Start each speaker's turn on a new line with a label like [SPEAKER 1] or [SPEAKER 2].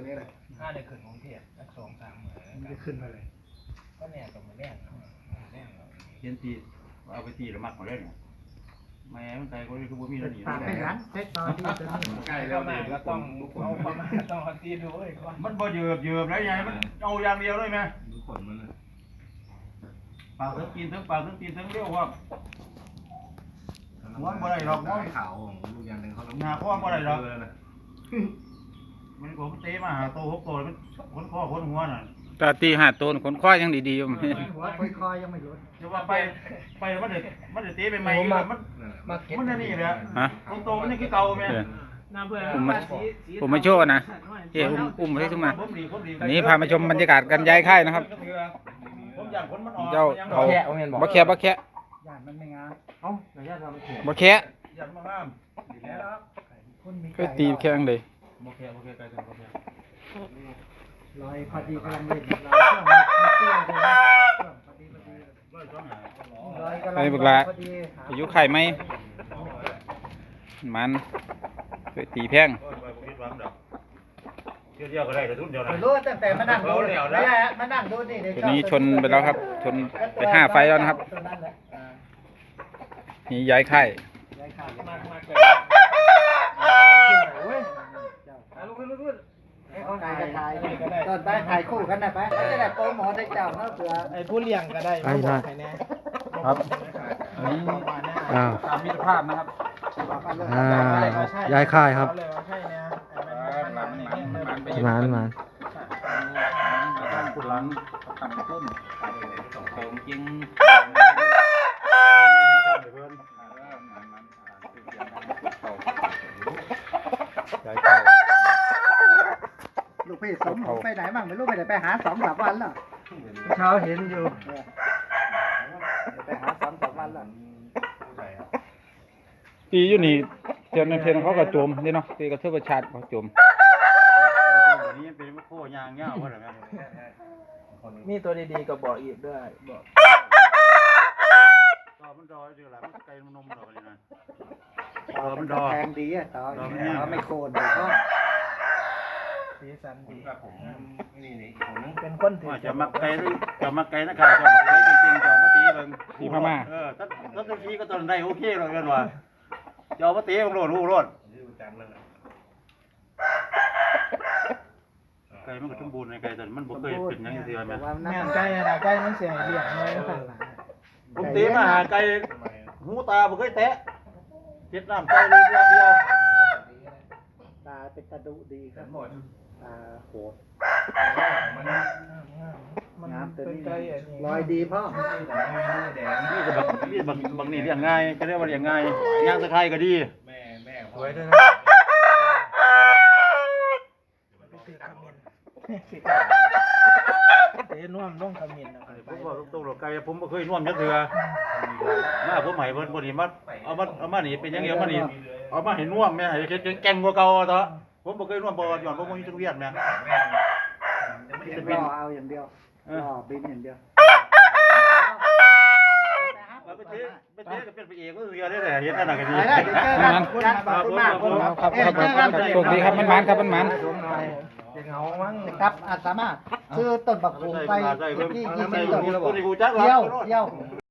[SPEAKER 1] นี้เลย
[SPEAKER 2] ถ้าได้ขึ้นกรุงเทพสัก2-3 มื้อ
[SPEAKER 3] มันจะขึ้นมาเลย
[SPEAKER 2] ก็แน่ก็มาแน่
[SPEAKER 4] เขียนตีเอาไปตีหรือมักมาได้เนี่ยแม่มันใจก็คือบ่มีแล้วนี่
[SPEAKER 3] ปากไม่หันเทคโนโลยีตัวนี้
[SPEAKER 1] ใกล้แล้วเนี่ย
[SPEAKER 2] ก็ต้องเอาประมาณต้องเอาตีดูไอ้ก่อน
[SPEAKER 4] มันบ่เยือบแล้วยังมันเอาอย่างเดียวเลยไหม
[SPEAKER 1] ดูขนมันเลย
[SPEAKER 4] ปากทั้งตีนทั้งปากทั้งตีนทั้งเลี้ยวว่าม้วนบ่ได้หรอกม้วน
[SPEAKER 1] ขาวของลูกยันหนึ่งเขาต้อง
[SPEAKER 4] หน้าข้อบ่ได้หรอกมันผมเตะมาหาโต6 โตมันคนข้อคนหัวน่ะ
[SPEAKER 5] ตาตี5 ตัวคนคว้ายังดีๆอยู่
[SPEAKER 3] หัวคอยๆยังไม่หลุด
[SPEAKER 4] จะว่าไปมันเตะไปใหม่มัน
[SPEAKER 2] มาเก็ต
[SPEAKER 4] มันนี่แหละ
[SPEAKER 5] ฮะ
[SPEAKER 4] โตมันนี่คือเก่าแม่
[SPEAKER 5] ผมมาโชว์นะเอ้อุ้มให้ขึ้นมาอันนี้พามาชมบรรยากาศการย้ายค่ายนะครับ
[SPEAKER 4] ผมอยากคนมันออก
[SPEAKER 5] เจ้าเขาบักแคะบักแคะ
[SPEAKER 3] ย่านมันไม่งาม
[SPEAKER 2] เอ้าระยะทางมันเขียน
[SPEAKER 5] บักแคะ
[SPEAKER 4] อยากมางาม
[SPEAKER 3] คุณมี
[SPEAKER 5] ก็ตีแข้งเลย
[SPEAKER 4] โอเคไกลถึงโอเค
[SPEAKER 3] ลอยพอดีกำลังเล่นลอยช่วงมันเตี้ยเลยช่วงพอดีลอยกำลังพอดี
[SPEAKER 5] อายุไข่ไหมมันเคยตีแพง
[SPEAKER 4] เที่ยวก็ได้แต่ทุนเดียวนะ
[SPEAKER 3] รู้ตั้งแต่มานั่งดูแล้วแหละมานั่งดูนี่
[SPEAKER 5] ตัวนี้ชนไปแล้วครับ ชนไป5 ไฟแล้วนะครับ นี่ย้ายค่าย
[SPEAKER 3] ย้ายขาด
[SPEAKER 2] มาเว้ยลุก
[SPEAKER 3] ถ่ายกันถ่ายตอนไปถ่ายคู่กันนะไปจะได้โปรโมทให้เจ้าเนาะเผื่อ
[SPEAKER 2] ไอ้ผู้เลี้ยงก็ได้มาบอกให้แน่
[SPEAKER 5] ครับอันนี้
[SPEAKER 6] อ้าว
[SPEAKER 5] ตามมิตรภาพนะครับ
[SPEAKER 6] ย้ายค่ายครับ
[SPEAKER 2] เลยว่าใช่เนี่ย
[SPEAKER 6] มา
[SPEAKER 5] ตั้งกุหลังตั้งต้นของจริงย้ายค่าย
[SPEAKER 3] ลูกพี่สมไปไหนบ้างไม่รู้ไปไหนไปหา2-3 วันแล้ว
[SPEAKER 2] เช้าเห็นอยู่
[SPEAKER 3] ไปหา2-3 วันแล้ว
[SPEAKER 5] ตีอยู่นี่เทียนในเพลงเขาก็โจมนี่เนาะตีกระเทือบประชาติเขาโจม
[SPEAKER 4] วันนี้เป็นโค้ยางเงี้ยว่าอะไร
[SPEAKER 2] มีตัวดีๆก็บอกอีกด้วยบอก
[SPEAKER 4] ต่อมันดอยอยู่หลังไก่นมดอกนี่นะมันดอ
[SPEAKER 3] แพงดีอ่ะต่อไม่โคนเลยก็
[SPEAKER 2] สีสันดี
[SPEAKER 1] ครับผมนี่อีกคนนึง
[SPEAKER 2] เป็นคนถือ
[SPEAKER 4] ว่าจะมักไก่หรือจะมักไก่นะครับจะมักไก่จริงๆจะมาตีเบิ่งถ้าทีก็ตอนได้โอเคเลยกันว่าจะมาตีบังโลดหูรดไก่มันก็สมบูรณ์ในไก่แต่มันบ่เคยเป็นอย่างนี้เดียวแม่
[SPEAKER 2] แม่นไก่นะไก่มันเสียเลี้ยงเลยสั่นละ
[SPEAKER 4] ผมตีมาหาไก่หูตาบ่เคยแตะเจ็ดน้ำไก่เลยอย่างเดียว
[SPEAKER 3] ตาเป็นกระดูดีครับตาโหด
[SPEAKER 2] มัน
[SPEAKER 3] น้ำตัว
[SPEAKER 2] เป็น
[SPEAKER 3] นี้
[SPEAKER 2] ไก่อันนี้
[SPEAKER 3] ลอยดีพ่อ
[SPEAKER 4] นี่ก็บางนี่เลี้ยงง่ายก็เรียกว่าเลี้ยงง่ายย่างตะไคร้ก็ดี
[SPEAKER 1] สวยด้วยนะ
[SPEAKER 2] เตะน่วมลงขมิ้นนะ
[SPEAKER 4] ผมว่าตรงๆไก่ผมบ่เคยน่วมจักเทื่อมาผมให้เพิ่นบ่นี่มาเอามานี่เป็นอย่างเดียวมานี่เอามาให้น่วมแม่ให้เฮ็ดแกงกว่าเก่าเถอะผมบ่เคยน่วมบ่ย้อนบ่มีจักเวียนแม่
[SPEAKER 3] ล่อเอาอย่างเดียวล่อบินอย่างเดียว
[SPEAKER 4] ไปเทก็เป็นไปเองก็คือได้แหละเฮ็ดนั่นน่ะก็ดี
[SPEAKER 3] ไปได้เดี๋ยวเจอกันขอบคุณมาก
[SPEAKER 5] ครับโชคดีครับมันครับมัน
[SPEAKER 2] จะเหงามั้ง
[SPEAKER 3] ครับอาสามารถซื้อต้นบักหูไปที่20 ต้น
[SPEAKER 4] ตัวนี้กูจัก
[SPEAKER 3] เที่ยว